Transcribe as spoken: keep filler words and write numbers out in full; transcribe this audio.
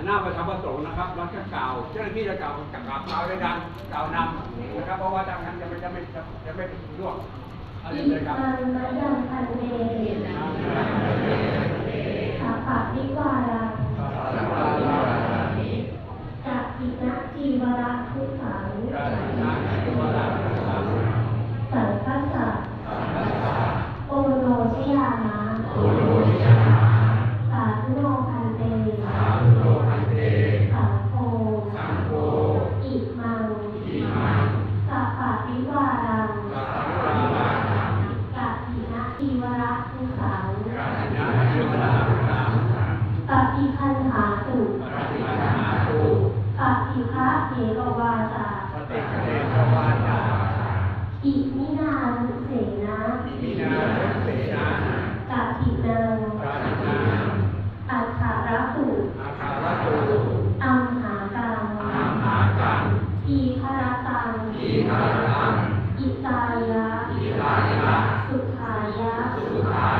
น้าประธรรมประสงค์นะครับเราจะกล่าวเจ้าหน้าที่จะกล่าวกล่าวกล่าวด้วยกันกล่าวนำนะครับเพราะว่าทางนั้นจะไม่จะไม่จะไม่ร่วงอะไรอิเลยครับมังมะยังพันเตสัพพะวิวารังกัปปินะจีวระทุสังสังคัสสะโอโนชยามะสาธุโนพันเตสังโฆอิมังสัพพะวิวารังกัปปินะจีวระทุสังปฏิคันหาตุปฏิภะเถรวาจาอิมินานุเสนะกัปปินังอัฏฐารตุอัมหากังอีคารตังอิตายะสุขายะ